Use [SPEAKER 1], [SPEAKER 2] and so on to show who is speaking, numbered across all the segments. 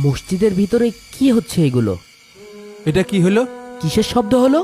[SPEAKER 1] মসজিদের ভিতরে কি হচ্ছে এগুলো?
[SPEAKER 2] এটা কি হলো?
[SPEAKER 1] কিসের শব্দ হলো?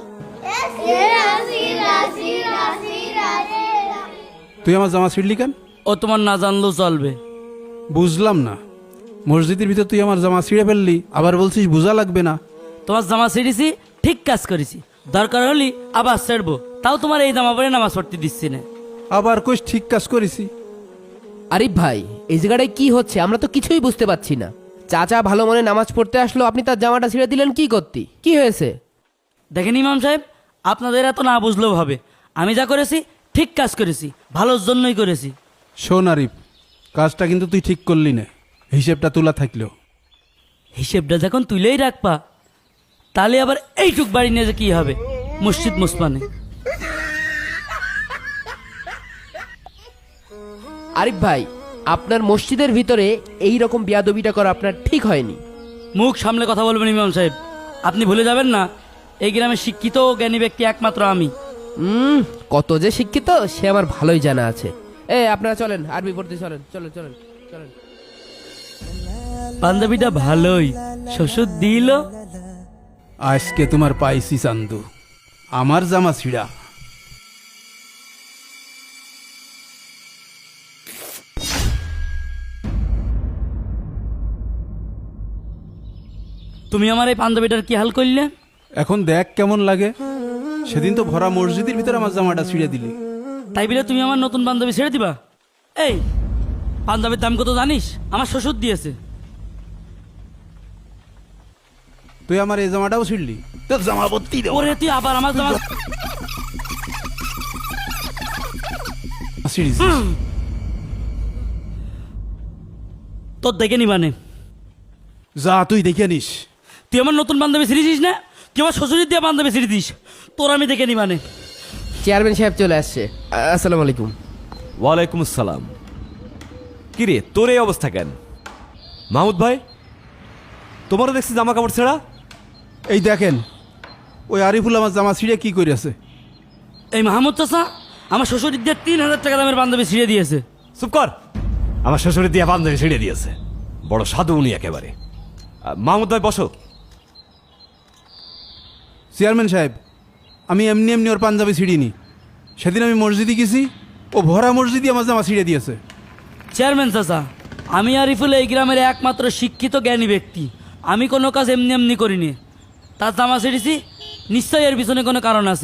[SPEAKER 2] তুই আমার জামা ছিঁড়লি কেন?
[SPEAKER 3] ও তোমার না জানলেও চলবে।
[SPEAKER 2] বুঝলাম না, মসজিদের ভিতর তুই আমার জামা ছিঁড়ে ফেললি, আবার বলছিস বোঝা লাগবে না।
[SPEAKER 3] তোমার জামা ছিঁড়েছি, ঠিক কাজ করেছি। দরকার হলি আবার ছেড়বো, তাও তোমার এই জামা পরে নামাজ পড়তে দিচ্ছি না।
[SPEAKER 2] আবার কইস ঠিক কাজ করেছি।
[SPEAKER 1] আরিফ ভাই, এই জায়গাটায় কি হচ্ছে আমরা তো কিছুই বুঝতে পারছি না। চাচা ভালো মনে নামাজ পড়তে আসলো, আপনি তার জামাটা ছিঁড়ে দিলেন কি করতে? কি হয়েছে?
[SPEAKER 3] দেখেন ইমাম সাহেব, আপনাদের এত না বুঝলেও হবে। আমি যা করেছি ঠিক কাজ করেছি, ভালোর জন্যই করেছি।
[SPEAKER 2] শোন আরিফ, কাজটা কিন্তু তুই ঠিক করলি না, হিসেবটা তোলা থাকলেও।
[SPEAKER 3] হিসেবটা যখন তুলেই রাখবা, তাহলে আবার এইটুক বাড়ি নিয়ে যে কি হবে? মসজিদ মুসমানে।
[SPEAKER 1] আরিফ ভাই, আপনার মসজিদের ভিতরে এই রকম বিয়াদবিটা করা আপনার ঠিক হয়নি।
[SPEAKER 3] মুখ সামলে কথা বলবেন ইমাম সাহেব। আপনি ভুলে যাবেন না, এই গ্রামে শিক্ষিত ও জ্ঞানী ব্যক্তি একমাত্র আমি।
[SPEAKER 1] কত যে শিক্ষিত সে আমার ভালোই জানা আছে। আপনারা চলেন, আরবি পড়তে চলেন, চলেন চলেন চলেন।
[SPEAKER 3] বান্ধবীটা ভালোই শ্বশুর দিল।
[SPEAKER 2] আজকে তোমার পাইছি চান্দু, আমার জামা ছিঁড়া।
[SPEAKER 3] তুমি আমার এই বান্ধবীটার কি হাল করলে?
[SPEAKER 2] এখন দেখ কেমন লাগে। সেদিন তো ভরা মসজিদের ভিতরে আমার জামাটা ছিঁড়ে দিলি।
[SPEAKER 3] তাই বলে তুমি আমার নতুন বান্ধবী ছেড়ে দিবা? এই বান্ধবীর দাম কত জানিস? আমার শ্বশুর দিয়েছে।
[SPEAKER 2] তুই আমার এই জামাটাও ছিঁড়লি, তোর জামা ভর্তি দেবো।
[SPEAKER 3] ওরে তুই আবার আমার জামা
[SPEAKER 2] ছিঁড়িস?
[SPEAKER 3] তোর দেখে নিবানে।
[SPEAKER 2] যা তুই দেখে নিস।
[SPEAKER 3] তুই আমার নতুন বান্ধবী ছিঁড়েছিস না? তুই আমার শ্বশুরের দিয়ে বান্ধবী ছিঁড়ে দিস, তোর আমি দেখে নিবানে।
[SPEAKER 1] চেয়ারম্যান সাহেব চলে আসছে। আসসালামু আলাইকুম।
[SPEAKER 4] ওয়ালাইকুম আসসালাম। কিরে তোর এই অবস্থা কেন? মাহমুদ ভাই, তোমারও দেখছি জামা কাপড় ছেঁড়া।
[SPEAKER 2] এই দেখেন, ওই আরিফুল আমার জামা ছিঁড়ে কি করেছে।
[SPEAKER 3] এই মাহমুদ চাচা আমার শ্বশুরের দিয়ে 3000 টাকা দামের বান্ধবী ছিঁড়ে দিয়েছে।
[SPEAKER 4] চুপ কর। আমার শ্বশুরের দিয়া বান্ধবী ছিঁড়ে দিয়েছে, বড় সাধু উনি একেবারে। মাহমুদ ভাই বসো।
[SPEAKER 2] চেয়ারম্যান সাহেব, আমি এমনি এমনি ওর পাঞ্জাবি ছিঁড়িনি। সেদিন আমি মসজিদে গেছি, ও ভরা মসজিদে আমার জামা ছিঁড়ে দিয়েছে।
[SPEAKER 3] চেয়ারম্যান চাচা, আমি আরিফুল এই গ্রামের একমাত্র শিক্ষিত জ্ঞানী ব্যক্তি। আমি কোনো কাজ এমনি এমনি করিনি। তার জামা ছিঁড়েছি, নিশ্চয়ই এর পিছনে কোনো কারণ আছে।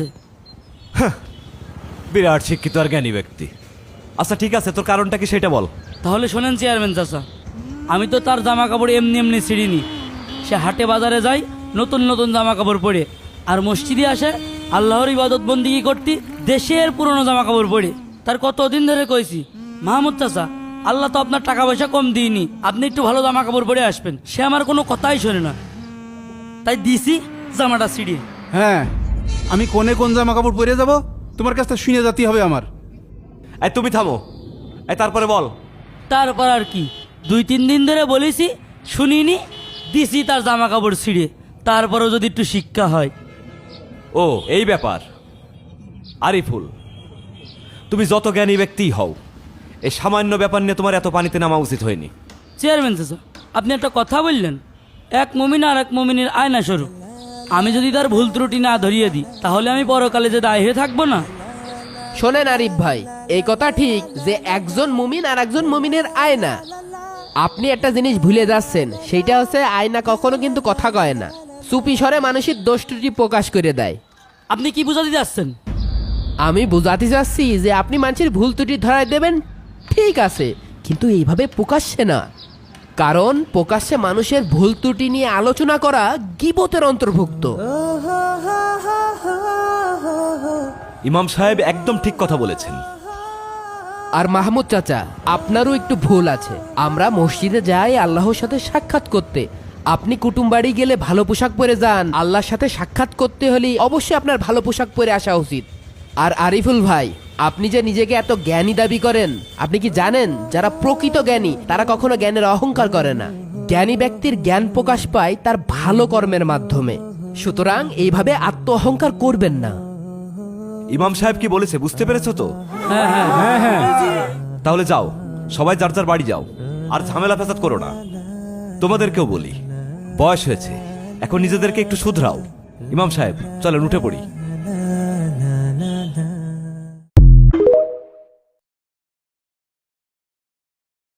[SPEAKER 4] বিরাট শিক্ষিত আর জ্ঞানী ব্যক্তি। আচ্ছা ঠিক আছে, তোর কারণটা কি সেটা বল।
[SPEAKER 3] তাহলে শোনেন চেয়ারম্যান চাচা, আমি তো তার জামা কাপড় এমনি এমনি ছিঁড়িনি। সে হাটে বাজারে যায় নতুন নতুন জামা কাপড় পরে, আর মসজিদে আসে আল্লাহর ইবাদত বন্দিগি করতে দেশের পুরনো জামা কাপড় পরে। তার কতদিন ধরে কইছি, মাহমুদ চাচা আল্লাহ তো আপনার টাকা পয়সা কম দিইনি, আপনি একটু ভালো জামা কাপড় পরে আসবেন। সে আমার কোনো কথাই শোনে না, তাই দিছি জামাটা ছিঁড়িয়ে।
[SPEAKER 2] হ্যাঁ, আমি কোনে কোন জামা কাপড় পরে যাব তোমার কাছ থেকে শুনে যেতে হবে আমার।
[SPEAKER 4] এই তুমি থামো। এই তারপরে বল।
[SPEAKER 3] তারপর আর কি, 2-3 দিন ধরে বলেছি, শুনিনি, দিছি তার জামা কাপড় ছিঁড়ে। তারপরেও যদি একটু শিক্ষা হয়।
[SPEAKER 4] ও এই ব্যাপার। আরিফুল, তুমি যত জ্ঞানী ব্যক্তিই হও, এই সামান্য ব্যাপার নিয়ে তোমার এত পানিতে নামা উচিত হয়নি।
[SPEAKER 3] চেয়ারম্যান চাচা, আপনি একটা কথা বললেন, এক মুমিন আর এক মুমিনের আয়না স্বরূপ। আমি যদি তার ভুল ত্রুটি না ধরিয়ে দিই, তাহলে আমি পরকালে যে দায় হয়ে থাকবো না।
[SPEAKER 1] শোনেন আরিফ ভাই, এই কথা ঠিক যে একজন মুমিন আর একজন মুমিনের আয়না। আপনি একটা জিনিস ভুলে যাচ্ছেন, সেইটা হচ্ছে আয়না কখনো কিন্তু কথা কয় না, চুপি স্বরে মানুষের দোষ ত্রুটি প্রকাশ করে দেয়।
[SPEAKER 3] আপনি কি বুঝাতে যাচ্ছেন?
[SPEAKER 1] আমি বুঝাতে চাচ্ছি যে আপনি মানুষের ভুল ত্রুটি ধরায় দেবেন, ঠিক আছে, কিন্তু এইভাবে প্রকাশ্যে না। কারণ প্রকাশ্যে মানুষের ভুল ত্রুটি নিয়ে আলোচনা করা গীবতের অন্তর্ভুক্ত।
[SPEAKER 4] ইমাম সাহেব একদম ঠিক কথা বলেছেন।
[SPEAKER 1] আর মাহমুদ চাচা, আপনারও একটু ভুল আছে। আমরা মসজিদে যাই আল্লাহর সাথে সাক্ষাৎ করতে। আপনি কুটুম বাড়ি গেলে ভালো পোশাক পরে যান। আল্লাহর সাথে সাক্ষাৎ করতে হলে অবশ্যই আপনার ভালো পোশাক পরে আসা উচিত। আর আরিফুল ভাই, আপনি যে নিজেকে এত জ্ঞানী দাবি করেন, আপনি কি জানেন যারা প্রকৃত জ্ঞানী তারা কখনো জ্ঞানের অহংকার করে না। জ্ঞানী ব্যক্তির জ্ঞান প্রকাশ পায় তার ভালো কর্মের মাধ্যমে। সুতরাং এইভাবে আত্ম অহংকার করবেন না।
[SPEAKER 4] ইমাম সাহেব কি বলেছে বুঝতে পেরেছো তো?
[SPEAKER 3] হ্যাঁ হ্যাঁ হ্যাঁ হ্যাঁ।
[SPEAKER 4] তাহলে যাও, সবাই যার যার বাড়ি যাও, আর ঝামেলা ফেসাদ করো না। তোমাদেরকেও বলি, বয়স হয়েছে, এখন নিজেদেরকে একটু শুধরাও। ইমাম সাহেব, চলেন উঠে পড়ি।